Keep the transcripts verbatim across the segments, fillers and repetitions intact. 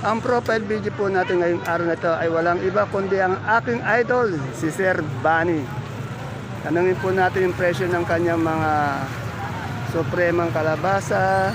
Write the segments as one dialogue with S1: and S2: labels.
S1: Ang profile video po natin ngayong araw na ito ay walang iba kundi ang aking idol, si Sir Bunny. Tanungin po natin yung presyo ng kanyang mga supremang kalabasa,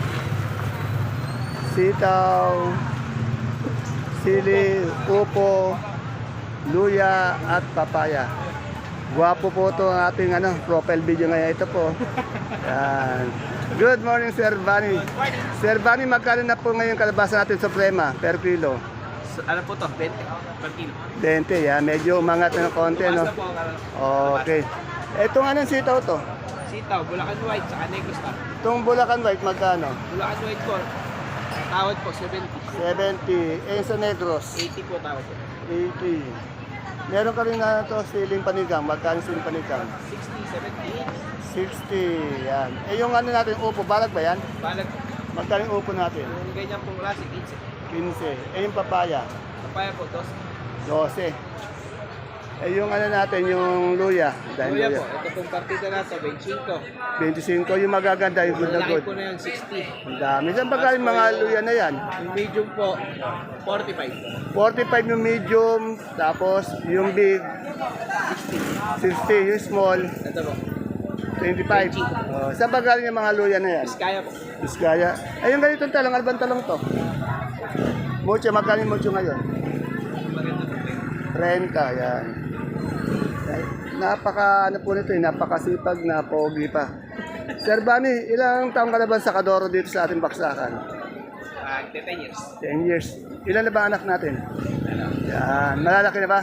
S1: sitaw, sili, upo, luya at papaya. Guwapo po ito ang ating ano, profile video ngayon. Ito po. Yan. Good morning, Sir Bunny. Sir Bunny, magkano na po ngayon kalabasa natin suprema per kilo?
S2: So, ano po to? twenty per kilo.
S1: twenty, ya. Medyo umangat na ng konti, no?
S2: Basta po ang ano.
S1: Okay. Itong anong sitaw to?
S2: Sitaw, Bulacan White, saka Negros Star.
S1: Itong Bulacan White, magkano?
S2: Bulacan White po, tawad po, seventy.
S1: seventy. Eh, sa Negros?
S2: eighty po tawad po.
S1: eighty. Meron ka rin na ito, siling panigang. Magkano siling panigang?
S2: sixty, seventy, eighty.
S1: sixty. Yan. Eh, yung ano natin, upo, balag ba yan?
S2: Balag,
S1: Magkano yung upo natin?
S2: yung ganyan pong klase, eighty.
S1: fifteen. Eh, yung papaya?
S2: Papaya po, dos.
S1: twelve. Eh, yung ano natin, yung luya. Dahil
S2: Luya
S1: luya.
S2: po, ito pong partida na to, twenty-five.
S1: twenty-five. Yung magaganda, yung good na
S2: Malaki
S1: good.
S2: po na yun, sixty.
S1: Ang dami. Saan ba galing mga luya na yan?
S2: Yung medium po, forty-five.
S1: forty-five yung medium, tapos yung big, sixty. Yung small,
S2: Ito po,
S1: twenty-five. Oh, saan ba galing yung mga luya na yan?
S2: Biskaya po.
S1: Biskaya. Ay, yung ganitong talong, ano bang talong to? Mucho, magkano yung mucho ngayon?
S2: Maganda po.
S1: thirty, yan. Ay, napaka, ano po nito, eh, napakasipag na pogi pa. Sir Bunny, ilang taong ka na ba sa Kadoro dito sa ating baksakan?
S2: Ah, ten years.
S1: ten years. Ilan na ba anak natin? Yan, malalaki na ba?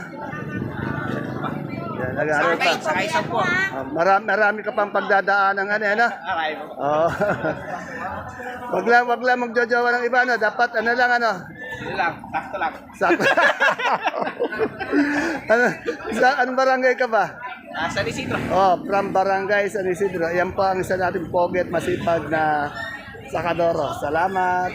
S1: Yan, nag-aaral pa.
S2: Sakay, sakay sa po.
S1: Ah, marami, marami ka pang pagdadaan ng ano, ano?
S2: Aray po.
S1: Oh. wag lang, wag lang magjojowa ng iba, no? Dapat ano lang, ano?
S2: Yun lang, sakto lang.
S1: Sakto. ano, sa anong barangay ka ba?
S2: Ah, San Isidro.
S1: Oh, from Barangay San Isidro. Yan po ang isa nating poget masipag na sakadoro. Salamat.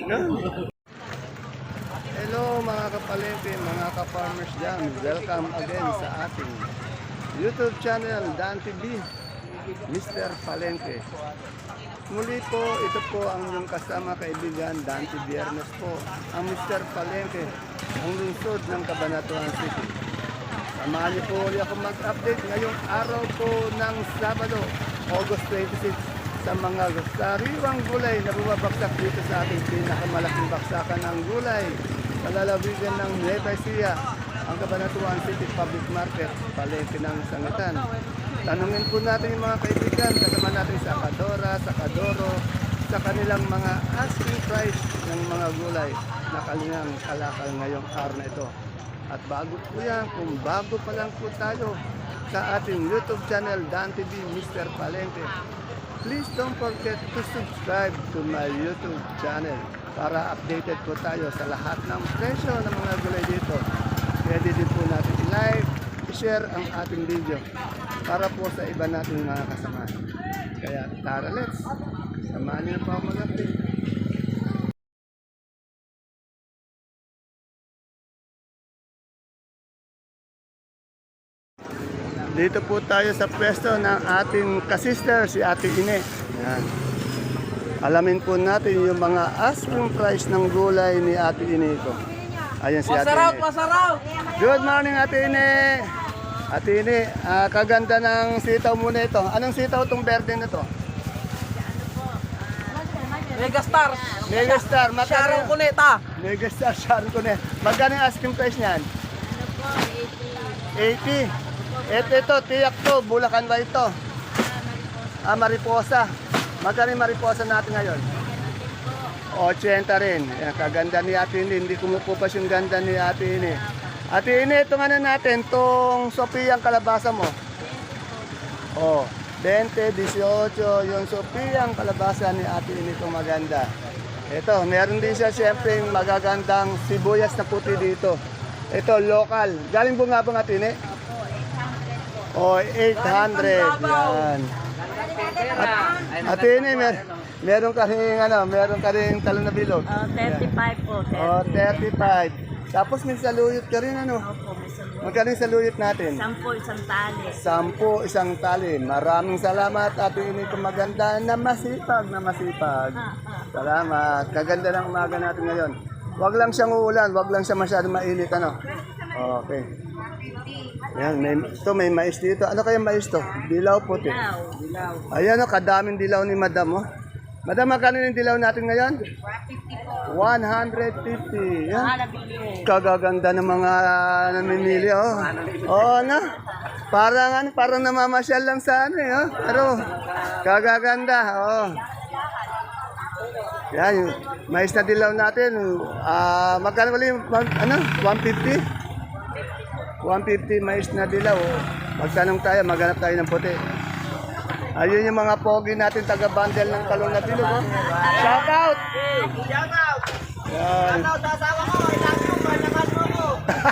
S1: Hello mga kapalengke, mga ka-farmers dyan. Welcome again sa ating YouTube channel, Dan T V, Mister Palengke. Muli po, ito po ang inyong kasama kaibigan, Dante Biernes po, ang Mister Palengke, ang lungsod ng Cabanatuan City. Samahan niyo po ulit ako mag-update ngayong araw po ng Sabado, August twenty-six, sa mga sariwang gulay na bumabagsak dito sa ating pinakamalaking baksakan ng gulay, palalawigan ng Nueva Ecija, ang Cabanatuan City Public Market, Palengke ng Sangitan. Tanungin po natin yung mga kaibigan, kasama natin sa Kadora, sa Kadoro, sa kanilang mga asking price ng mga gulay na kalingang kalakal ngayong araw na ito. At bago po yan, kung bago pa lang po tayo sa ating YouTube channel, Dan T V, Mister Palengke, please don't forget to subscribe to my YouTube channel para updated po tayo sa lahat ng presyo ng mga gulay dito. Pwede din po natin i-like, i-share ang ating video para po sa iba nating mga kasama. Kaya tara, let's samahan niyo pa ako mag-update. Dito po tayo sa pwesto ng ating kasister, si Ate Ine. Yan. Alamin po natin yung mga asking price ng gulay ni Ate Ine ko. Ayan si Ate Ine.
S2: masarap!
S1: Good morning, Ate Ine. Ate Ine, ah, kaganda ng sitaw muna ito. Anong sitaw itong berde na to?
S2: Megastar!
S1: Megastar.
S2: Sharon
S1: Magkano?
S2: Cuneta!
S1: Megastar Sharon Cuneta. Magkano yung asking price niyan? eighty. Ito, ito, tiyak to. Bulacan ba ito? Ah, mariposa. Magkano yung mariposa natin ngayon? eighty rin. Yan, kaganda ni Ate Ine. Hindi kumukupas yung ganda ni Ate Ine. Ate Ine, itong ano natin, itong Sophia ang kalabasa mo. Oh, twenty, eighteen, yung Sophia ang kalabasa ni Ate Ine itong maganda. Ito, meron din siya siyempre yung magagandang sibuyas na puti dito. Ito, local. Galing bungabang Ate Ine? Oh, eight hundred. Yan. At, Ate Ine, mer meron ka rin, ano, meron ka rin talong na bilog.
S3: Oh, thirty-five po.
S1: Oh, thirty-five. Tapos may saluyot ka rin, ano?
S3: Opo, may saluyot.
S1: Magkano yung saluyot natin?
S3: Sampo, isang tali.
S1: Sampu, isang tali. Maraming salamat, Ate Ine, kung maganda na masipag na masipag. Salamat. Kaganda ng umaga natin ngayon. Wag lang siyang uulan, wag lang siya masyadong mainit, ano? Okay. Yan, may, ito may mais dito. Ano kaya mais to? Dilaw puti.
S3: Dilaw.
S1: Ayan o, kadaming dilaw ni Madam, oh. Madam, magkano yung dilaw natin ngayon? one fifty. Yan.
S3: Malabili.
S1: Kagaganda ng mga namimili, oh. Oo na. Parang, ano, parang namamasyal lang sa ano, eh, oh. Pero, kagaganda, oh. Yan, yung mais na dilaw natin. Ah, magkano wala yung, mag- ano, one fifty? one fifty mais na dilaw, oh. Magtanong tayo, maghanap tayo ng puti. Ayun yung mga pogi natin, taga-bundle ng talong na bilog, oh. Shout out!
S2: Shout out!
S1: Yan.
S2: Shout out sa asawa ko. I love you. Mahal mo ko.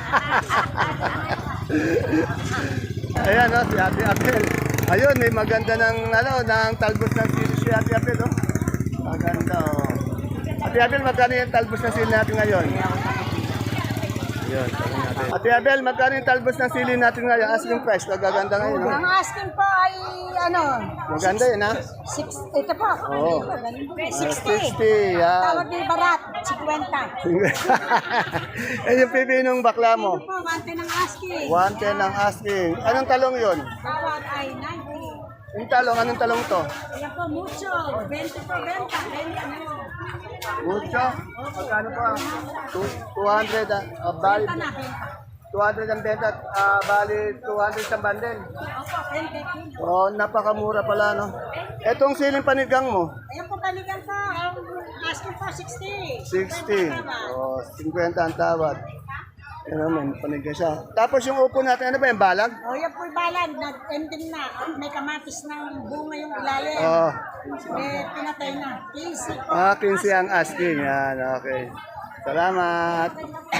S1: Ayan, oh, si Ate Apel. Ayun, may maganda ng, ano, ng talbos ng sili si Ate Apel, oh. Maganda, oh. Ate Apel, magkano yung talbos ng sili natin ngayon? Yun, tanong natin. Ate Abel, magkano yung talbos ng sili natin ngayon? Asking price, kagaganda ngayon, no?
S4: Ang asking po ay ano,
S1: Maganda yun, ha?
S4: six, ito po.
S1: Oo.
S4: Ito,
S1: sixty,
S4: sixty.
S1: yan.
S4: Tawag ni Barat, fifty.
S1: Eh, yung pipinong bakla mo?
S4: Ito po, bante ng asking.
S1: one ten ang asking. Anong talong yun?
S4: Tawag ay ninety.
S1: Yung talong, anong talong to?
S4: Ayan po, mucho. twenty po, benta. Benta mo.
S1: Mucho? Magkano pa? two hundred, ah, uh, bali,
S4: Benta na, benta.
S1: two hundred ang benta, ah, bali two hundred sa bundle.
S4: Opo, benta.
S1: Oh, napakamura pala, no? Etong siling panigang mo?
S4: Ayan po, balikan po. Ang asking po, sixty.
S1: sixty. Oh, fifty ang tawad. Ano man, panigang siya. Tapos yung upo natin, ano ba yung balag?
S4: O, yan po, balan. Nag-ending na. May kamatis ng bunga yung ilalim.
S1: Oh,
S4: Eh, pinatay na. Easy po.
S1: ah, quince ang asking. Yan, okay. Salamat.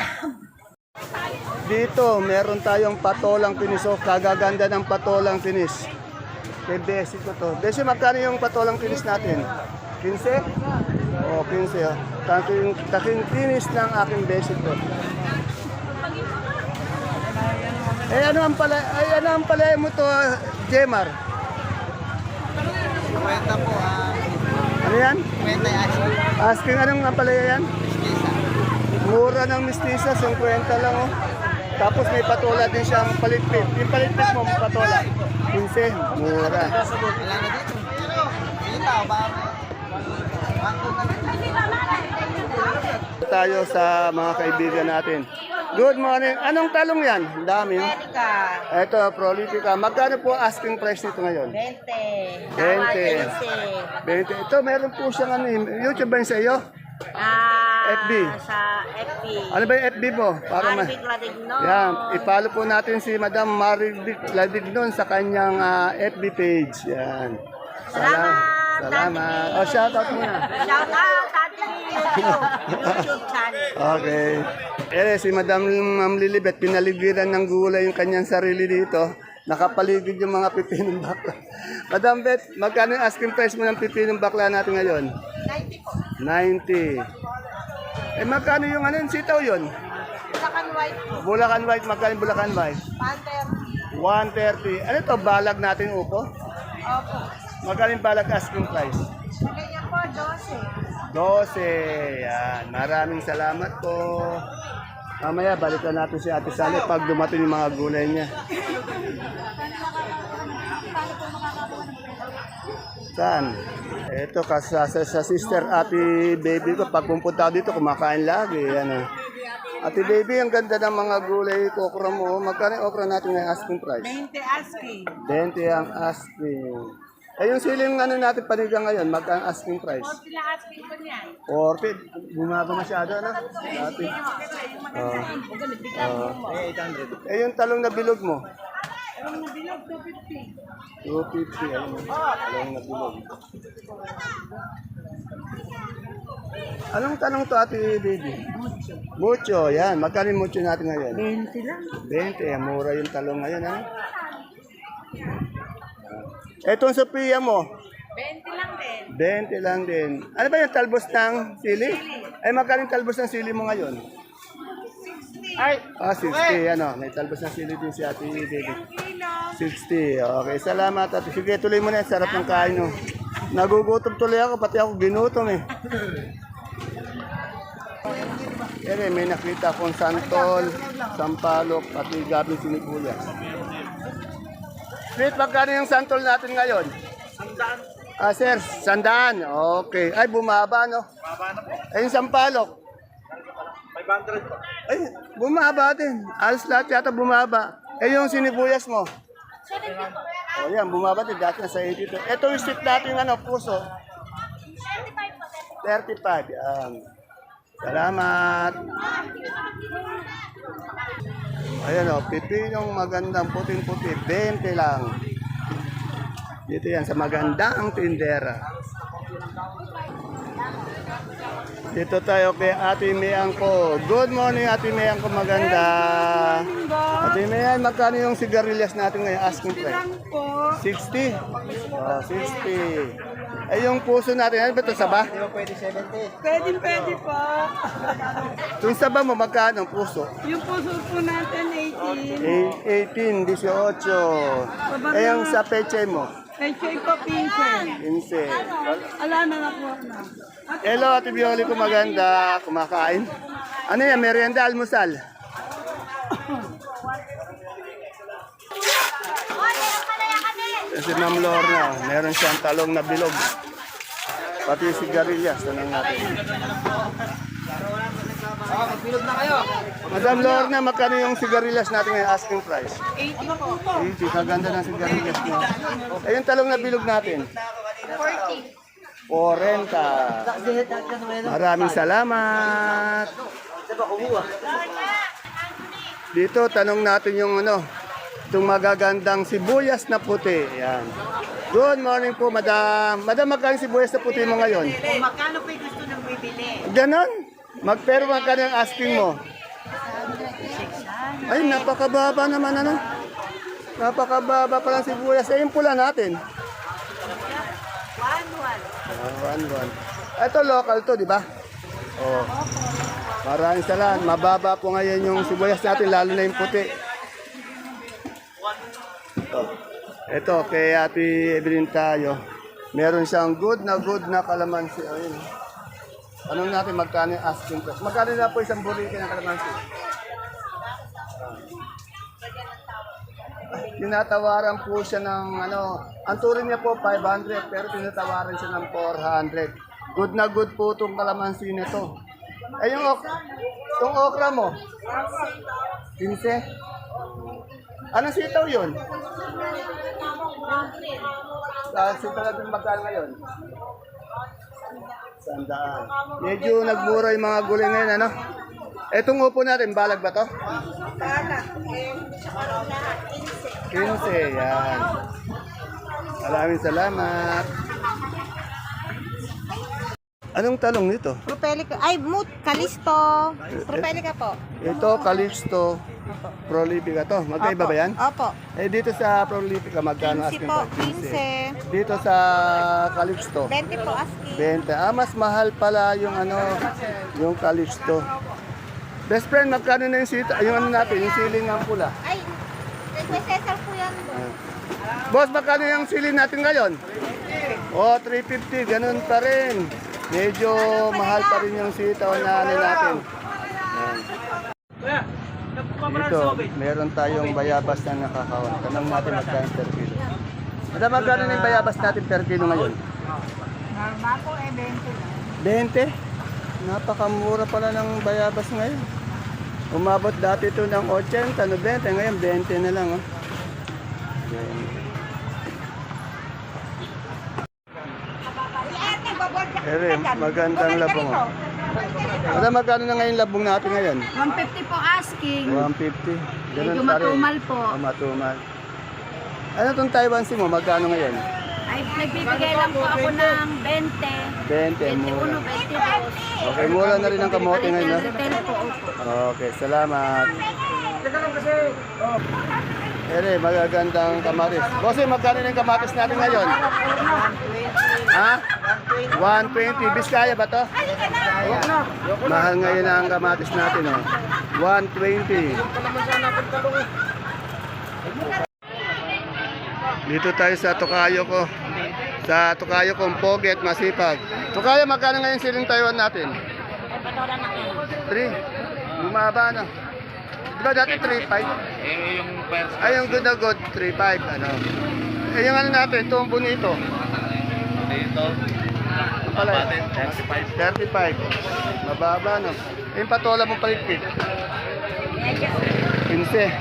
S1: Dito, meron tayong patolang pinis. Oh, kagaganda ng patolang pinis. Kay Besi ko to. Besi, magkano yung patolang pinis natin? quince? Oh, quince. Oh. Taking, taking pinis ng aking Besi ko. Eh, ano ang pala, ay, ano ang pala mo to, ah, Jemar?
S2: Kwenta po. ah,
S1: Ano yan?
S2: Kwenta yung asking.
S1: Asking, anong ang pala yan? Mura ng mistisa, fifty lang, oh. Tapos may patola din siyang palitpit. Yung palitpit mo, patola. quince, mura.
S2: Wala na dito. Kita ba?
S1: Tayo sa mga kaibigan natin. Good morning. Anong talong yan? Ang dami, oh. Ito, prolifica. Magkano po asking price nito ngayon?
S3: Bente.
S1: Bente. twenty. Ito, meron po siyang ano, eh, YouTube ba yun sa iyo?
S3: Ah,
S1: F B.
S3: Sa F B.
S1: Ano ba yung F B mo? Para ma-
S3: Maribig Ladigno.
S1: Yan, i-follow po natin si Madam Maribig Ladignon sa kanyang ah, F B page. Yan.
S3: Salamat,
S1: Salamat.
S3: Tati.
S1: O, shout out muna.
S3: Shout out, Tati YouTube. YouTube channel.
S1: Okay. Eh, si Madam Ma'am Lilibet, pinaligiran ng gulay yung kanyang sarili dito. Nakapaligid yung mga pipinong bakla. Madam Bet, magkano yung asking price mo ng pipinong bakla natin ngayon?
S4: ninety po.
S1: ninety. Eh, magkano yung ano, yung sitaw yun?
S4: Bulacan White po.
S1: Bulacan White, magkano yung Bulacan White?
S4: Panther.
S1: one thirty. Ano to, balag natin upo?
S4: Opo.
S1: Magkano yung balag asking price?
S4: Ganyan po, twelve.
S1: twelve. Yan. Maraming salamat po. Mamaya, balikan natin si Ate Sally pag dumating yung mga gulay niya. Saan? Ito, kasi sa, sa sister Ate Baby ko, pag pumunta ako dito, kumakain lagi. Yan, ah. Ate Baby, ang ganda ng mga gulay ko, okra mo. Magkano yung okra natin ng asking price?
S4: twenty asking.
S1: twenty ang asking. Eh, yung siling ano natin panigang ngayon, magkano asking price?
S4: Sila asking po niyan.
S1: forty. Bumaba masyado, ano? Dati. Oh. Oh. Eh, yung talong na bilog mo?
S4: Ang nabilog, two fifty.
S1: two fifty. Ayun. Talong na bilog. Anong tanong to, Ate Baby? Mucho. Yan. Magkano yung mucho natin ngayon?
S3: Bente lang.
S1: twenty. Mura yung talong ngayon, ano? Etong Sophia mo?
S4: twenty lang din.
S1: twenty lang din. Ano ba yung talbos ng sili? Ay, magkano yung talbos ng sili mo ngayon? Ay! Ah, sixty. Ano, may talbos ng sili din si Ate Baby. sixty. Okay, salamat. Ate. Sige, tuloy mo na. Sarap ng kain, no? Nagugutom tuloy ako, pati ako ginutom, eh. Ere, may nakita akong santol, sampalok, pati gabing sinibuyas. Sweet, magkano yung santol natin ngayon? Sandaan. Ah, sir, sandaan. Okay. Ay, bumaba, no? Bumaba na po. Ay, yung sampalok? five hundred po. Ay, bumaba din. Alas lahat yata bumaba. Eh, yung sinibuyas mo? seventy po. O, yan, bumaba din. Dati na sa eighty-two. Ito yung sweet natin, ano, puso? thirty-five po. thirty-five. Yan. Salamat. Ayan o, pipinong magandang puting-puti, twenty lang. Dito yan sa magandang tindera. Dito tayo kay Ate Miang ko. Good morning, Ate Miang ko, maganda. Ate Miang, magkano yung sigarilyas natin ngayon? Asking price. sixty? Oh, sixty. Eh, yung puso natin, ano ba ito, saba?
S2: Pwede seventy.
S4: Pwede, pwede po.
S1: Yung saba mo, magkano ang puso?
S4: Yung puso po natin, eighteen.
S1: Eh, eighteen, eighteen. Eh, yung sa peche mo?
S4: Kay Choy po, pinsen.
S1: quince.
S4: Ala na na po na.
S1: Hello, Ate Bioli ko, maganda. Kumakain. Ano yan, merienda, almusal? Si Ma'am Lorna, meron siyang talong na bilog. Pati sigarilyas, tanong natin.
S2: Oh, magbilog na kayo.
S1: Madam Lorna, magkano yung sigarilyas natin ngayon asking price?
S4: eighty po.
S1: eighty, kaganda ng sigarilyas mo. Eh, yung talong na bilog natin?
S4: forty.
S1: forty. Maraming salamat. Dito, tanong natin yung ano, itong magagandang sibuyas na puti. Yan. Good morning po, madam. Madam, magkano sibuyas na puti mo ngayon?
S3: Kung magkano po yung gusto nang bibili?
S1: Ganon. Magpero magkano yung asking mo? Ay, napakababa naman ano. Napakababa pa lang sibuyas. Eh, yung pula natin.
S3: One, one.
S1: Ah, one, one. Ito local to, di ba? Oh. Maraming salamat. Mababa po ngayon yung sibuyas natin, lalo na yung puti. Ito. Ito, kay Ate Evelyn tayo. Meron siyang good na good na kalamansi. Ayun. Anong natin magkano yung asking price? Magkano na po isang burrito ng kalamansi? Tinatawaran po siya ng ano, ang turing niya po five hundred pero tinatawaran siya ng four hundred. Good na good po itong kalamansi nito. Eh yung, ok yung okra mo? quince? Anong sitaw yun? Sa sitaw natin magkano ngayon? Sandaan. Medyo nagmura yung mga gulay ngayon, ano? Etong upo natin, balag ba to?
S4: Balag.
S1: quince, yan. Maraming salamat. Anong talong nito?
S3: Propelica. Ay, moot. Kalisto. Propelica po.
S1: Ito, Calixto, Prolifica to. Magkaiba ba yan?
S3: Opo.
S1: Eh, dito sa Prolifica, magkano
S3: quince
S1: asking
S3: po.
S1: price?
S3: quince.
S1: Dito sa Calixto,
S3: twenty po asking.
S1: twenty. Ah, mas mahal pala yung ano, yung Calixto. Best friend, magkano na yung sita, yung ano natin, yung siling ng pula?
S3: Ay, may Cesar po yan.
S1: Boss, magkano yung siling natin ngayon? Oh, three fifty, ganun pa rin. Medyo mahal pa rin yung sitaw na ano natin. Ayan. Dito, meron tayong bayabas na nakakawan. Tanong natin magkano per kilo. Madam, magkano na yung bayabas natin per kilo ngayon?
S4: Normal po, eh, twenty.
S1: twenty? Napakamura pala ng bayabas ngayon. Umabot dati ito ng eighty, ninety, ngayon twenty na lang. Oh. Ayan. Ere, magandang labong. Oh. Madam, magkano na ngayon labong natin ngayon?
S4: one fifty po asking.
S1: one fifty. Ganun
S4: Medyo
S1: pa rin.
S4: matumal po.
S1: Oh, matumal. Ano itong Taiwan Sea mo? Magkano ngayon?
S4: Ay, nagbibigay lang po ako ng twenty.
S1: twenty, mura.
S4: twenty-two.
S1: Okay, mura na rin ang kamote ngayon. No?
S4: Retail po, opo.
S1: Okay, salamat. Ere, magagandang kamatis. Bossy, magkano na yung kamatis natin ngayon? Ha? one twenty. Biskaya ba to? Ayan. Mahal ngayon ang kamatis natin. Oh. one twenty. Dito tayo sa Tokayo ko. Sa Tokayo kong Poget, masipag. Tokayo, magkano ngayon siling Taiwan natin? three. Bumaba na. Di ba dati three five?
S2: Eh, yung first.
S1: Ay, yung good na good, three five. Ano? Eh, yung ano natin, itong bonito.
S2: Dito.
S1: Alay.
S2: Patin, thirty-five.
S1: thirty-five. Mababa, no? Eh, yung patola mong paligpit. fifteen.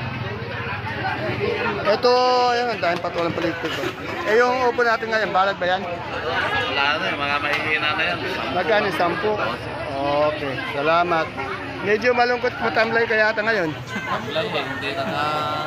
S1: Ito, ayun, ang daming patolang paligpit. Oh. Eh, yung upo natin ngayon, balag ba yan?
S2: Wala na eh, mga mahihina na yan.
S1: Magkano? Sampu? Okay, salamat. Medyo malungkot mo tamlay kaya ata ngayon.
S2: Lang eh, hindi naka...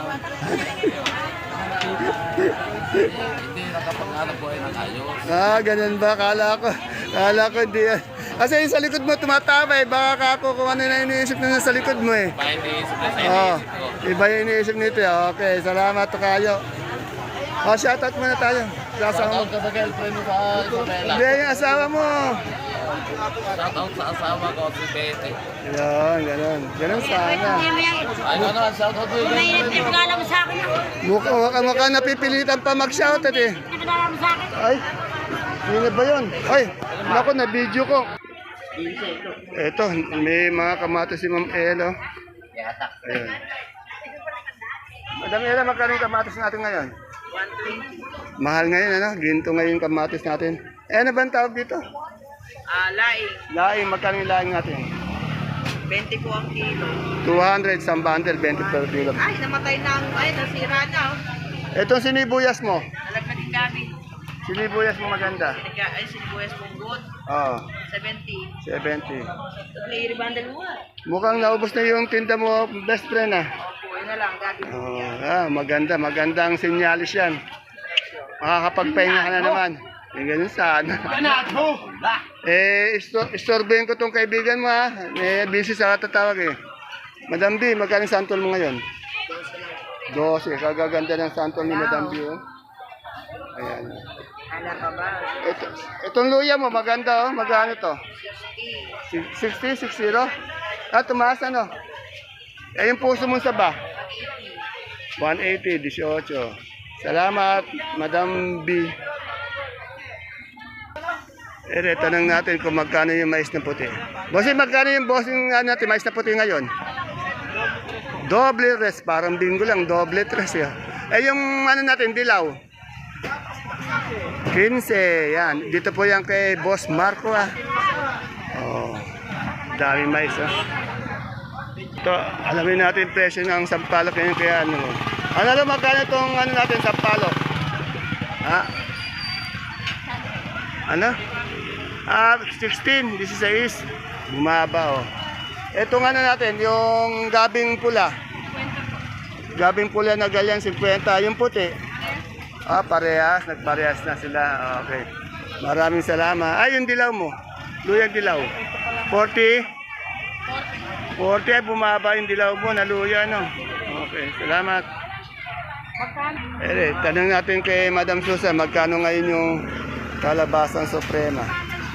S2: hindi nakapag-hanap buhay ng ayos.
S1: Ah, ganun ba? Kala ko. Kala ko di yan. Kasi yung sa likod mo tumatama eh. Baka kako kung ano na iniisip na sa likod mo eh.
S2: Bakit iniisip na sa
S1: Oh,
S2: iniisip ko?
S1: iba yung iniisip nito eh. Okay, salamat to kayo. Oh, shoutout muna tayo. Sa asawa mo.
S2: Shoutout ka sa girlfriend mo sa Isabela.
S1: Hindi, yung asawa mo.
S2: Shoutout sa asawa ko, si Betty.
S1: Yan, ganun. Ganun sana.
S2: Ay, ano naman, shoutout mo yung
S4: May
S2: girlfriend mo.
S4: nagkala mo sa akin.
S1: Mukha, mukha, mukha napipilitan pa mag-shoutout eh.
S4: Nagkala mo sa akin.
S1: Ay, sino ba yun? Ay, naku, na-video ko. Eto, may mga kamatis si Ma'am Elo. Ayun. Madam Elo, magkano yung kamatis natin ngayon? Mahal ngayon, ano? Ginto ngayon yung kamatis natin. Eh, ano ba ang tawag dito?
S3: Ah, laing.
S1: Laing, magkano yung laing natin?
S3: twenty po ang kilo.
S1: two hundred sa bundle, twenty per kilo.
S3: Ay, namatay na ang, ay, nasira na. Oh.
S1: Etong sinibuyas mo.
S3: Nalagna din kami.
S1: Sinibuyas mo maganda.
S3: Nagka, ay, sinibuyas pong good.
S1: Oo,
S3: seventy.
S1: seventy.
S3: Clear bundle mo.
S1: Mukhang naubos na yung tinda mo, best friend ah.
S3: Opo, yun na lang. Gagawin.
S1: Oh, ah, maganda, magandang sinyalis yan. Makakapagpahinga ka na naman. Yung ganun sana. eh, isto, istorbohin ko tong kaibigan mo ha. Eh, busy sa katatawag eh. Madam B, magkano santol mo ngayon? twelve. Kagaganda ng santol ni Madam B. Oh. Ayan.
S3: Ala ka ba?
S1: Ito, itong luya mo, maganda oh. Magkano to? sixty, sixty? Ah, tumaas ano? Eh, yung puso mo sa ba? one eighty, eighteen. Salamat, Madam B. Eh, tanong natin kung magkano yung mais na puti. Bossing, magkano yung bossing ano, natin, mais na puti ngayon? Doble res, parang bingo lang, doble tres ya. Eh, yung ano natin, dilaw? fifteen, yan. Dito po yan kay Boss Marco ah. Oh, dami mais ah. Ito, alamin natin yung presyo ng sampalok ngayon kaya ano. Ano lang magkano itong ano natin sampalok? Ha? Ano? Ah, sixteen, sixteen. Bumaba oh. Itong ano natin, yung gabing pula. Gabing pula na ganyan, fifty. Yung puti. Ah, parehas. Nagparehas na sila. Okay. Maraming salamat. Ay, yung dilaw mo. Luyang dilaw. forty? forty ay bumaba yung dilaw mo. Naluya, no? Okay. Salamat. Eh, tanong natin kay Madam Susan, magkano ngayon yung kalabasang suprema?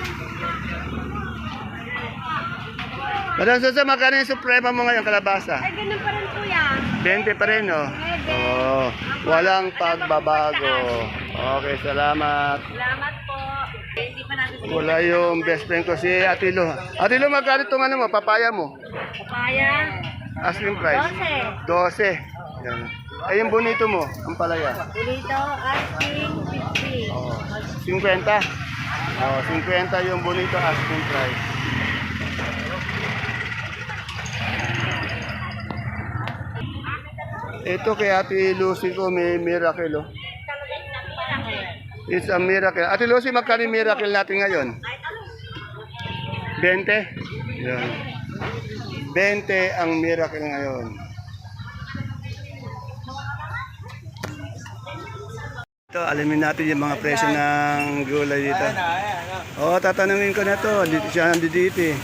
S1: Madam Susan, magkano yung suprema mo ngayon, kalabasa?
S4: Ay, ganun pa rin po yan.
S1: twenty pa rin, no? Oo. Walang pagbabago. Okay, salamat.
S4: Salamat po. Hindi pa natin
S1: Wala yung best friend ko si Atilo. Atilo, magkano itong ano mo, papaya mo?
S4: Papaya.
S1: Asking price? twelve. Yan. Ay, yung bonito mo, ang palaya.
S4: Dito, asking fifty.
S1: Oo. fifty? Oo, fifty yung bonito asking price. Ito kay Ate Lucy ko may miracle oh. It's a miracle. Ate Lucy, magkano yung miracle natin ngayon? twenty? Yan. twenty ang miracle ngayon. Ito, alamin natin yung mga presyo ng gulay dito. Oo, oh, tatanungin ko na to. Dito siya nandito eh.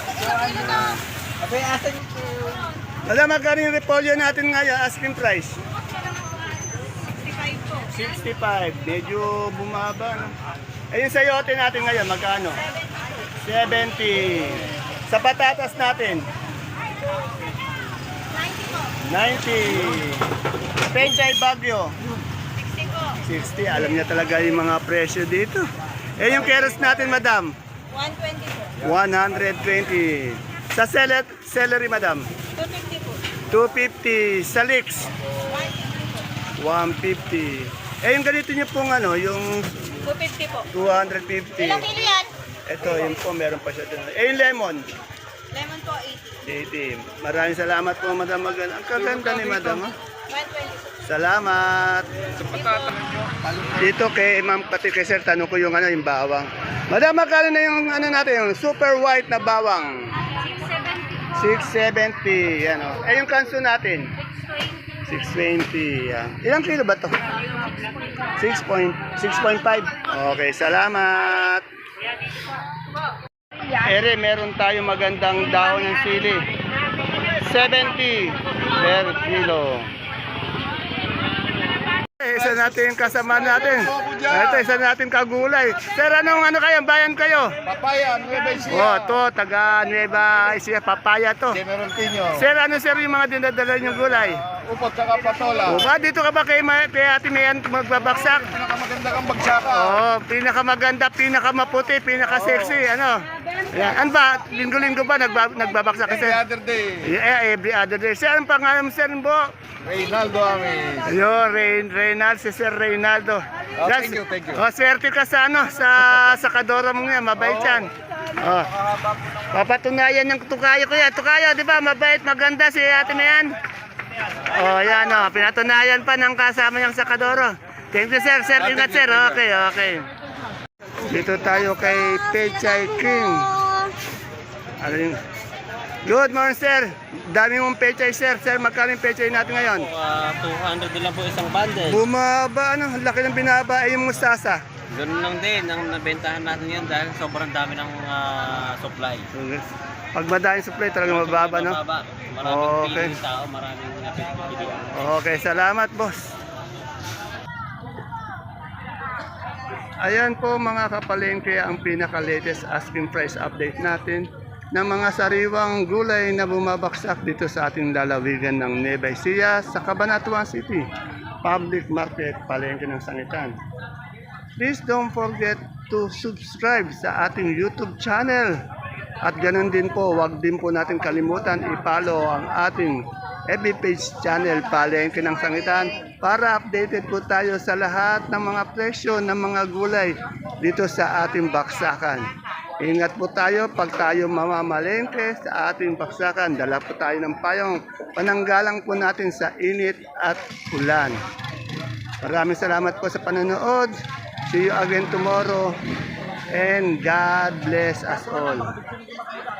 S3: Abay, asan
S1: Alam, magkano yung repolyo natin ngayon, asking price? sixty-five. Medyo bumaba, no? Eh, yung sayote natin ngayon, magkano? seventy. Sa patatas natin? ninety. Penchay Bagyo? sixty. Alam niya talaga yung mga presyo dito. Eh, yung keros natin, madam?
S4: one twenty po.
S1: one twenty. Sa celery, celery madam?
S4: two fifty po.
S1: two fifty. Sa leeks? one fifty. Eh, yung ganito niyo pong ano, yung
S4: two fifty po.
S1: two fifty.
S4: Ilang kilo yan?
S1: Ito, yun po, meron pa siya dun. Eh, yung lemon?
S4: Lemon po, eighty.
S1: eighty. Maraming salamat po, madam. Magan. Ang kaganda ni madam. ah.
S4: one twenty.
S1: Salamat. Dito kay Ma'am Pati kay Sir, tanong ko yung ano, yung bawang. Madam, magkano na yung ano natin, yung super white na bawang? six seventy. Yan o. Eh, yung kanso natin? six twenty. Yan. Ilang kilo ba to? six point five. Okay, salamat. Ere, meron tayo magandang dahon ng sili. seventy per kilo. Eh, isa natin yung kasama natin. Ito, isa natin kagulay. Sir, anong ano kayo? Bayan kayo?
S2: Papaya, Nueva Ecija.
S1: Oh, to, taga Nueva Ecija, papaya to.
S2: General Tino.
S1: Sir, ano sir yung mga dinadala yung gulay?
S2: Upot saka patola.
S1: O ba, dito ka ba kay, Ma- kay Ate Mayan magbabaksak?
S2: Pinakamaganda kang bagsaka.
S1: Oo, pinakamaganda, pinakamaputi, pinaka-sexy, ano? Yan. Ano ba, linggo-linggo ba nagbab nagbabaksak ka,
S2: Every
S1: sir?
S2: other day.
S1: Yeah, every other day. Sir, ang pangalan mo, sir, bo?
S2: Reynaldo Amis.
S1: Ayun, Reyn, Reynaldo, si Sir Reynaldo.
S2: Oh, thank you, thank you.
S1: Oh, swerte ka sa ano, sa sa kadora mo nga, mabait yan. Oh. Papatunayan ng tukayo ko yan. Tukayo, di ba? Mabait, maganda si ate na yan. Oh, yan oh. Pinatunayan pa ng kasama niyang sa kadoro. Thank you, sir. Sir, ingat, sir. Okay, okay. Dito tayo kay Pechay King. Ano yung... Good morning, sir. Dami mong pechay, sir. Sir, magkano yung pechay natin ngayon?
S5: Uh, two hundred din lang po isang bundle.
S1: Bumaba, ano? Laki ng binaba. Ay, yung mustasa.
S5: Ganun lang din ang nabentahan natin yan dahil sobrang dami ng ah, supply.
S1: Pag madaming supply, talagang mababa, no?
S5: Mababa. Maraming
S1: Okay.
S5: piling tao, maraming napipilian.
S1: Okay, salamat, boss. Ayan po mga kapalengke ang pinaka-latest asking price update natin ng mga sariwang gulay na bumabaksak dito sa ating lalawigan ng Nueva Ecija sa Cabanatuan City, Public Market, Palengke ng Sangitan. Please don't forget to subscribe sa ating YouTube channel. At ganun din po, wag din po natin kalimutan i-follow ang ating F B page channel Palengke ng Sangitan para updated po tayo sa lahat ng mga presyo ng mga gulay dito sa ating baksakan. Ingat po tayo pag tayo mamamalengke sa ating baksakan. Dala po tayo ng payong pananggalang po natin sa init at ulan. Maraming salamat po sa panonood. See you again tomorrow and God bless us all.